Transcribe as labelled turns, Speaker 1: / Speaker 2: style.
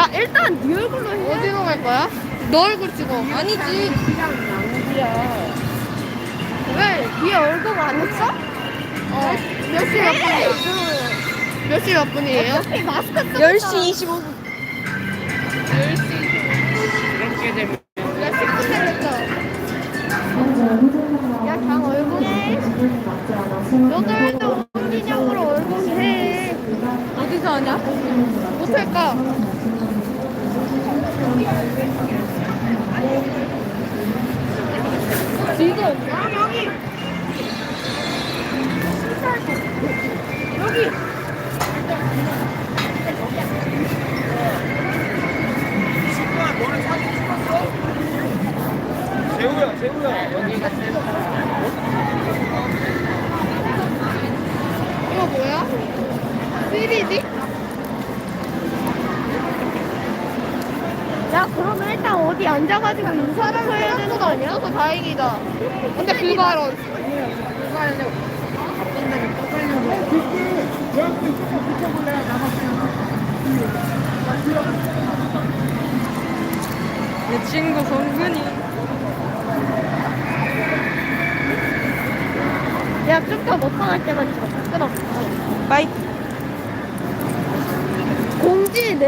Speaker 1: 야, 일단 네 얼굴로 해.
Speaker 2: 어디로 갈 거야? 너 얼굴 찍어. 아니지.
Speaker 1: 왜? 네 얼굴 안 했어?
Speaker 2: 몇 시 몇 분이야? 몇 시 몇 분이에요?
Speaker 1: 어차피 마스크 쓰고
Speaker 2: 10시 25분. 10시. 야, 10분 됐어.
Speaker 1: 야, 장 얼굴 해. 너도 해도 기념으로 얼굴 해.
Speaker 2: 어디서 하냐? 못할까?
Speaker 1: 지금. 여기. 여기.
Speaker 3: 재우야, 재우야.
Speaker 2: 이거 뭐야? 3D?
Speaker 1: 야, 그러면 일단 어디 앉아가지고 인사를 해야 되는 거 아니야?
Speaker 2: 없어서 다행이다. 근데 불발언. 내 친구 성근이.
Speaker 1: 야, 좀 더 못 나갈 때만 좀 끊어.
Speaker 2: 빠이.
Speaker 1: 공지